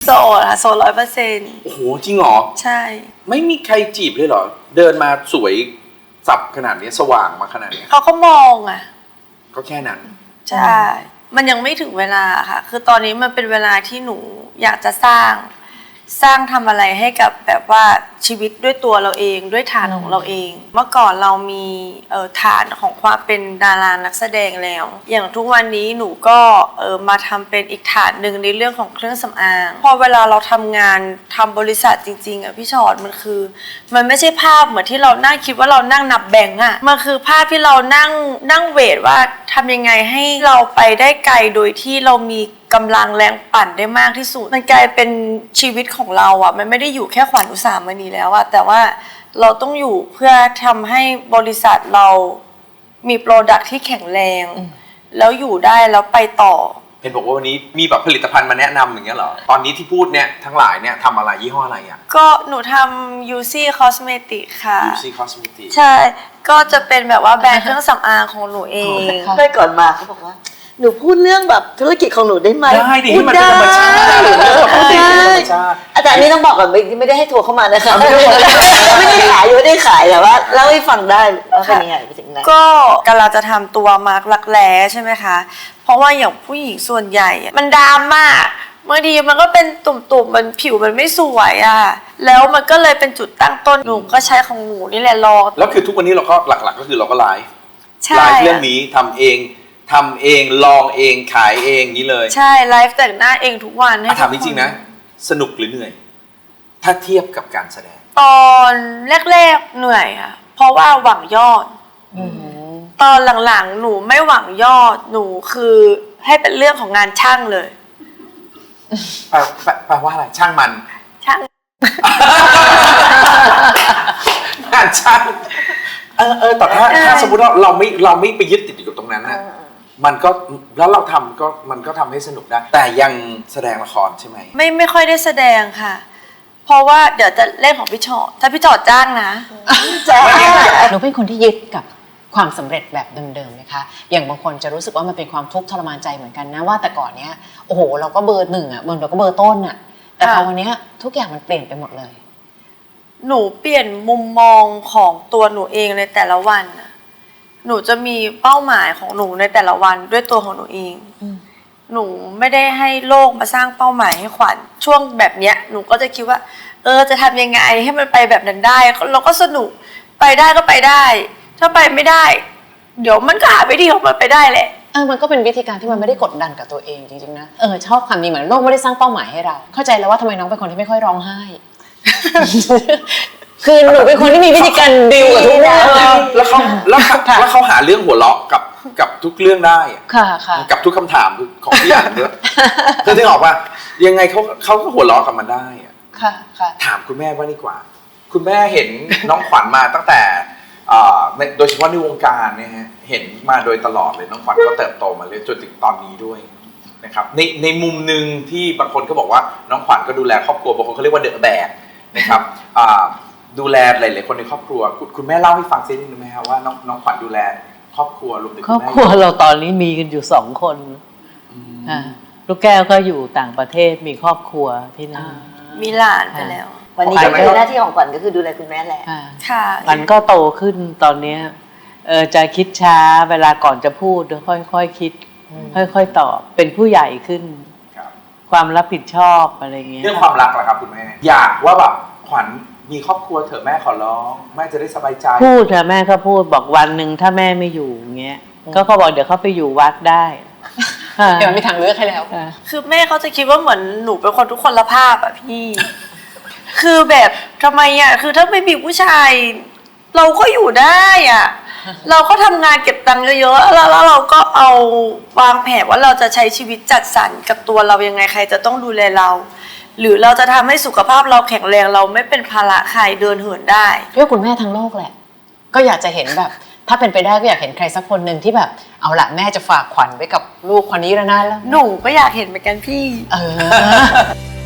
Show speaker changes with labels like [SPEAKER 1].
[SPEAKER 1] ดค่ะโสด100%
[SPEAKER 2] โอ้โหจริงเหรอ
[SPEAKER 1] ใช่
[SPEAKER 2] ไม่มีใครจีบเลยเหรอเดินมาสวยสับขนาดนี้สว่างมาขนาดนี้
[SPEAKER 1] เขาก็มองอ่ะ
[SPEAKER 2] ก็แค่นั้น
[SPEAKER 1] ใช่มันยังไม่ถึงเวลาค่ะคือตอนนี้มันเป็นเวลาที่หนูอยากจะสร้างทำอะไรให้กับแบบว่าชีวิตด้วยตัวเราเองด้วยฐานของเราเองเมื่อก่อนเรามีฐานของความเป็นดารานักแสดงแล้วอย่างทุกวันนี้หนูก็มาทำเป็นอีกฐานหนึ่งในเรื่องของเครื่องสำอางพอเวลาเราทำงานทำบริษัทจริงๆอ่ะพี่ชอตมันไม่ใช่ภาพเหมือนที่เรานั่งคิดว่าเรานั่งนับแบงก์อ่ะมันคือภาพที่เรานั่งเวทว่าทำยังไงให้เราไปได้ไกลโดยที่เรามีกำลังแรงปั่นได้มากที่สุดมันกลายเป็นชีวิตของเราอ่ะมันไม่ได้อยู่แค่ขวัญอุสามณีแล้วอ่ะแต่ว่าเราต้องอยู่เพื่อทำให้บริษัทเรามีโปรดักที่แข็งแรงแล้วอยู่ได้แล้วไปต่อ
[SPEAKER 2] เห็นบอกว่าวันนี้มีแบบผลิตภัณฑ์มาแนะนำอย่างเงี้ยเหรอตอนนี้ที่พูดเนี่ยทั้งหลายเนี่ยทำอะไรยี่ห้ออะไรอ่ะ
[SPEAKER 1] ก็หนูทำ UC Cosmetic ค่ะ
[SPEAKER 2] UC Cosmetic
[SPEAKER 1] ใช่ก็จะเป็นแบบว่าแบรนด์เครื่องสำอางของหนูเอง
[SPEAKER 3] ได้ก่อนมาเขาบอกว่าหนูพูดเรื่องแบบธุรกิจของหนูได้ไหม
[SPEAKER 2] ได้ดิให้มันเป็นธรรมชาติ
[SPEAKER 3] อาจารย์นี่ต้องบอกก่อนไม่ได้ให้ทัวร์เข้ามานะคะไม่ได้ขายแต่ว่าเล่าให้ฟังได้ว่าเป็นยังไงไปถึงไหน
[SPEAKER 1] ก็กำลังจะทำตัวมาร์กรักแร้ใช่ไหมคะเพราะว่าอย่างผู้หญิงส่วนใหญ่มันดำมากบางทีมันก็เป็นตุ่มๆมันผิวมันไม่สวยอ่ะแล้วมันก็เลยเป็นจุดตั้งต้นหนูก็ใช้ของหนูนี่แหละลอง
[SPEAKER 2] แล้วคือทุกวันนี้เราก็หลักๆก็คือเราก็ไลฟ์เรื่องนี้ทำเองลองเองขายเองนี้เลย
[SPEAKER 1] ใช่ไลฟ์แต่งหน้าเองทุกวันให้
[SPEAKER 2] ถามจริงๆนะสนุกหรือเหนื่อยถ้าเทียบกับการแสดง
[SPEAKER 1] ตอนแรกๆเหนื่อยค่ะเพราะว่าหวังยอดตอนหลังๆหนูไม่หวังยอดหนูคือให้เป็นเรื่องของงานช่างเลย
[SPEAKER 2] แปลว่าอะไรช่างมัน
[SPEAKER 1] ช่าง
[SPEAKER 2] งานช่างแต่ถ้าสมมติว่าเราไม่ไปยึดติดอยู่กับตรงนั้นนะมันก็แล้วเราทำก็มันก็ทำให้สนุกได้แต่ยังแสดงละครใช่ไหม
[SPEAKER 1] ไม่ค่อยได้แสดงค่ะเพราะว่าเดี๋ยวจะเล่นของพี่ชอตถ้าพี่ชอตจ้างนะ
[SPEAKER 4] หนูเป็นคนที่ยึดกับความสำเร็จแบบเดิมๆไหมคะอย่างบางคนจะรู้สึกว่ามันเป็นความทุกข์ทรมานใจเหมือนกันนะว่าแต่ก่อนเนี้ยโอ้โหเราก็เบอร์หนึ่งอ่ะเราก็เบอร์ต้นอ่ะแต่พอวันนี้ทุกอย่างมันเปลี่ยนไปหมดเลย
[SPEAKER 1] หนูเปลี่ยนมุมมองของตัวหนูเองในแต่ละวันหนูจะมีเป้าหมายของหนูในแต่ละวันด้วยตัวของหนูเองหนูไม่ได้ให้โลกมาสร้างเป้าหมายให้ขวัญช่วงแบบเนี้ยหนูก็จะคิดว่าจะทำยังไงให้มันไปแบบนั้นได้เราก็สนุกไปได้ก็ไปได้ถ้าไปไม่ได้เดี๋ยวมันก็หาวิธีของมันไปได้แหละ
[SPEAKER 4] มันก็เป็นวิธีการที่มันไม่ได้กดดันกับตัวเองจริงๆนะชอบคำนี้เหมือนโลกไม่ได้สร้างเป้าหมายให้เราเข้าใจแล้วว่าทำไมน้องเป็นคนที่ไม่ค่อยร้องไห้ คือหนูเป็นคนที่มีวิธีการดิวกับทุกเรื่อง
[SPEAKER 2] แล้วเขาหาเรื่องหัวเราะกับทุกเรื่องได้
[SPEAKER 4] ค่ะ
[SPEAKER 2] กับทุกคำถามของพี่อ่านด้วยคือที่บอกว่ายังไงเขาก็หัวเราะกับมันได้
[SPEAKER 4] ค่ะ
[SPEAKER 2] ถามคุณแม่ว่าดีกว่าคุณแม่เห็นน้องขวัญมาตั้งแต่โดยเฉพาะในวงการเนี่ยฮะเห็นมาโดยตลอดเลยน้องขวัญก็เติบโตมาเลยจนถึงตอนนี้ด้วยนะครับในมุมหนึ่งที่บางคนก็บอกว่าน้องขวัญก็ดูแลครอบครัวบางคนเขาเรียกว่าเดอะแบกนะครับดูแลหลายๆคนในครอบครัวคุณแม่เล่าให้ฟังซินิดนึงไหมครับว่าน้องขวัญดูแลครอบครัวรวมถึง
[SPEAKER 5] ครอบครัวเราตอนนี้มีกันอยู่2 คนลูกแก้วก็อยู่ต่างประเทศมีครอบครัวที่นั่น
[SPEAKER 1] มีหลานไปแล้ว
[SPEAKER 3] วันนี้หน้าที่ของขวัญก็คือดูแลคุณแม่แหละ
[SPEAKER 1] ค่ะ
[SPEAKER 5] มันก็โตขึ้นตอนนี้จะคิดช้าเวลาก่อนจะพูดค่อยๆคิดค่อยๆตอบเป็นผู้ใหญ่ขึ้นความรับผิดชอบอะไรเงี้ย
[SPEAKER 2] เรื่องความรักล่ะครับคุณแม่อยากว่าแบบขวัญมีครอบครัวเถอะแม่ขอร้องแม่จะได้สบายใจ
[SPEAKER 5] พูดเถอะแม่ก็พูดบอกวันหนึ่งถ้าแม่ไม่อยู่เงี้ยก็เขาบอกเดี๋ยวเขาไปอยู่วัดได้
[SPEAKER 4] เดี๋ยวมีทางเลือกให้แล้ว
[SPEAKER 1] คือแม่เขาจะคิดว่าเหมือนหนูเป็นคนทุกคนละภาพอะพี่คือแบบทำไมอะคือถ้าไม่มีผู้ชายเราก็อยู่ได้อะเราก็ทำงานเก็บตังค์เยอะๆแล้วเราก็เอาวางแผนว่าเราจะใช้ชีวิตจัดสรรกับตัวเรายังไงใครจะต้องดูแลเราหรือเราจะทำให้สุขภาพเราแข็งแรงเราไม่เป็นภาระใครเดินเหินได้
[SPEAKER 4] เพื่อคุณแม่ทั้งโลกแหละก็อยากจะเห็นแบบถ้าเป็นไปได้ก็อยากเห็นใครสักคนหนึ่งที่แบบเอาละแม่จะฝากขวัญไว้กับลูกคนนี้แล้วนะแล้ว
[SPEAKER 1] หนูก็อยากเห็นเหมือนกันพี่